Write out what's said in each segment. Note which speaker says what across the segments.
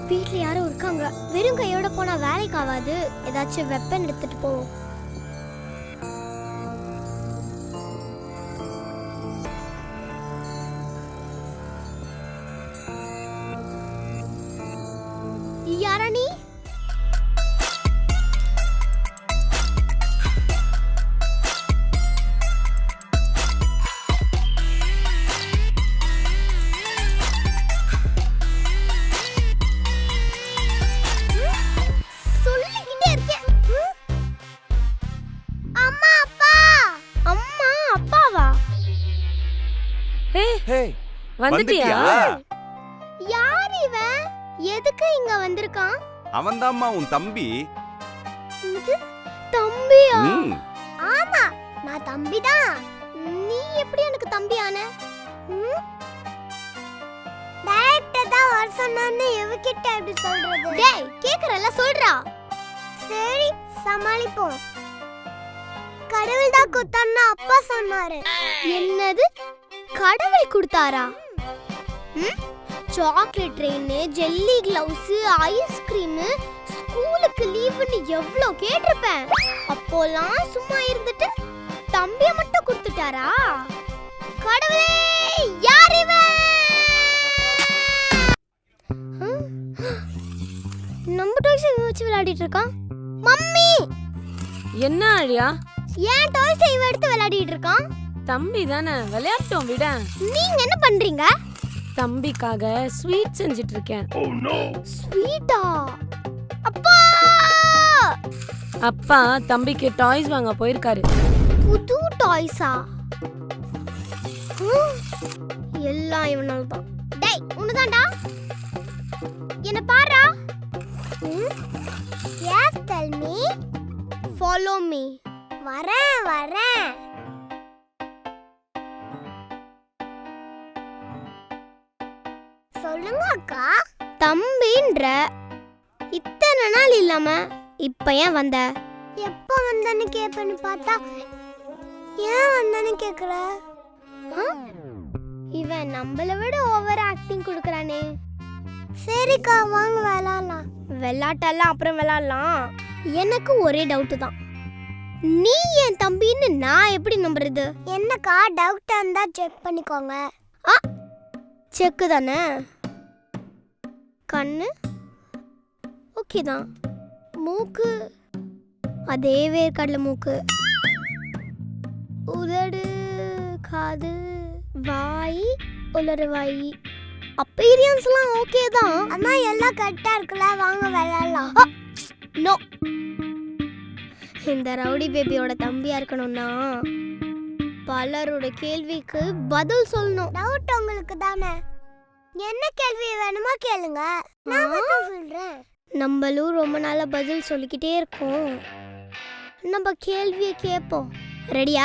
Speaker 1: வீட்ல யாரும் இருக்காங்க. வெறும் கையோட போனா வேலைக்கு ஆகாது. ஏதாச்சும் வெப்பன் எடுத்துட்டு போவோம். யாரா நீ?
Speaker 2: வந்துட்டியா?
Speaker 1: யார் இவன்? எதுக்கு இங்க வந்திருக்கான்?
Speaker 3: அவன்தாம்மா உன் தம்பி.
Speaker 1: தம்பியா? ஆமா, நான் தம்பிதான். நீ எப்படி எனக்கு தம்பி ஆன? டைரக்டா தான் வர சொன்னானே, எவகிட்ட அப்படி சொல்றது? டேய், கேக்குறல சொல்றா. சரி, சமாளிப்போம். கடவுள் தான் கொடுத்தான்னு அப்பா சொன்னாரு. என்னது? கடவுள் கொடுத்தாரா? Chocolate train, jelly gloves, ice cream, ஸ்கூலுக்கு லீவுன்னு எவ்வளோ கேட்டிருப்பேன். அப்போலாம் சும்மா இருந்துட்டு தம்பியை மட்டும் கொடுத்துட்டாரா? கடவுளே, யார் இவன்? நம்ம டாய்ஸ் வச்சு விளையாடிட்டு இருக்கான். மம்மி,
Speaker 2: என்ன ஆழியா?
Speaker 1: ஏன் டாய்ஸ் இவன் எடுத்து விளையாடிட்டு இருக்கான்?
Speaker 2: தம்பி தானே, விளையாட்டோம் விட.
Speaker 1: நீங்க என்ன பண்றீங்க?
Speaker 2: தம்பிக்காக ஸ்வீட் செஞ்சிட்டு இருக்கேன்.
Speaker 1: ஸ்வீட்டா? அப்பா!
Speaker 2: அப்பா தம்பிக்கு டாய்ஸ் வாங்க போயிருக்காரு.
Speaker 1: புது டாய்ஸா? எல்லாம் இவனால தான். டேய், உனதான்டா. என்ன பாருடா. Yes, tell me. Follow me. வரேன். சொல்லுங்க அக்கா. தம்பின்ற இத்தனை நாள் இல்லாம இப்ப ஏன் வந்த? எப்ப வந்தன்னு கேப்பேன்னு பார்த்தா ஏன் வந்தன்னு கேக்குற? இவன் நம்மள விட ஓவர் ஆக்டிங் கொடுக்கறானே. சரிக்கா, வாங்க விளையாடலாம். விளையாட்டெல்லாம் அப்புறம் விளையாடலாம். எனக்கு ஒரே டவுட் தான். நீ என் தம்பின்னு நான் எப்படி நம்புறது? என்னக்கா, டவுட் இருந்தா செக் பண்ணிக்கோங்க. செக்கு தானே. கண்ணு ஓகே தான். மூக்கு அதே வேர்க்கடலை மூக்கு. உதடு, காது, வாய், உலரு வாய். அப்பீரியன்ஸ்லாம் ஓகே தான். அம்மா எல்லாம் கரெக்டா இருக்குல்ல, வாங்க விளையாடலாம். நோ, இந்த ரவுடி பேபியோட தம்பியா இருக்கணும்னா பலரோட கேள்விக்கு பதில் சொல்லணும். டவுட் உங்களுக்கு தானே. என்ன கேள்வி வேணுமா கேளுங்க, நான் பதில் சொல்றேன். நம்மளும் ரொம்ப நாளா பதில் சொல்லிக்கிட்டே இருக்கோம். நம்ம கேள்வியை கேட்போம். ரெடியா?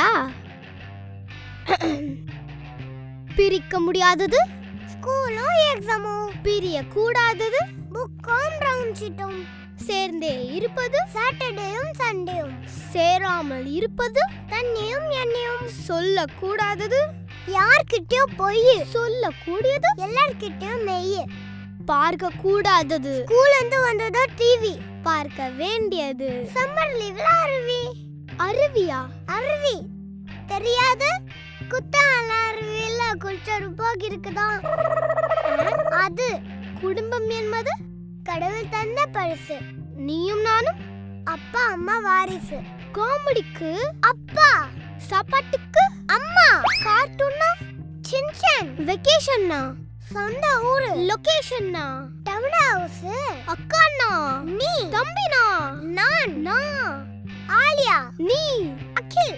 Speaker 1: பிரிக்க முடியாதது ஸ்கூலும் எக்ஸாமும், பிரிய கூடாதது புக்கும் ரவுண்ட் ஷீட்டும், சேர்ந்தே இருப்பது சாட்டர்டேயும் சண்டேயும், சேராமல் இருப்பது தண்ணியும் எண்ணெயும், சொல்ல கூடாதது யார்கிட்டயும் பொய், சொல்ல கூடியது எல்லார்கிட்டயும் மெய், பார்க்க கூடாதது ஸ்கூல்ல இருந்து வந்ததோ டிவி, பார்க்க வேண்டியது சம்மர் லீவ்ல அருவி. அருவியா? அருவி தெரியாது? குத்தால அருவியில குளிச்சரு போக இருக்குதான். அது குடும்பம் என்பது கடவுள் தந்த பரிசு. நீயும் நானும் அப்பா அம்மா வாரிசு. காமெடிக்கு அப்பா, சாப்பாட்டுக்கு அம்மா, கார்ட்டூன்னா சின்சான், வெக்கேஷன்னா சொந்த ஊரு, லொகேஷன்னா டவுன் ஹவுஸ், அக்கானா நீ, தம்பினா நான், ஆலியா நீ, அகில்.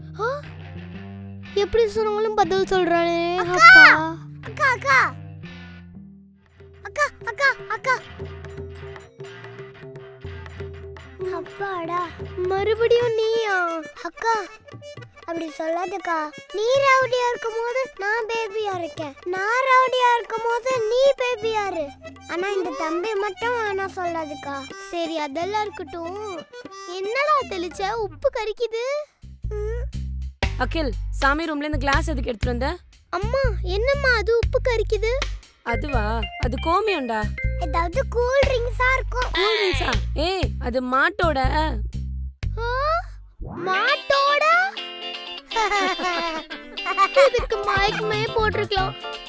Speaker 1: எப்படி சொன்னாலும் பதில் சொல்றானே. அப்பா, அக்கா அக்கா அக்கா அக்கா அக்கா. அப்பாடா, மறுபடியும் நீயா? அக்கா அப்படி சொல்லாதக்கா. நீ ரவுடியா இருக்கும் போது நான் பேபியா இருக்கேன், நான் ரவுடியா இருக்கும் போது நீ பேபியா இரு. ஆனா இந்த தம்பி மட்டும் வேணா சொல்லாதுக்கா. சரி, அதெல்லாம் இருக்கட்டும். என்னடா தெளிச்ச? உப்பு கரிக்குது.
Speaker 2: அகில், சாமி ரூம்ல இருந்து கிளாஸ் எதுக்கு எடுத்துட்டு வந்த?
Speaker 1: அம்மா, என்னம்மா அது உப்பு கரிக்குது?
Speaker 2: அதுவா? அது கோமியம்டா.
Speaker 1: ஏதாவது கூல் ட்ரிங்க்ஸா இருக்கும்.
Speaker 2: கூல் ட்ரிங்க்ஸா? ஏய் அது மாட்டோட.
Speaker 1: மாட்டோட இதுக்கு மைக்மே போட்டிருக்கலாம்.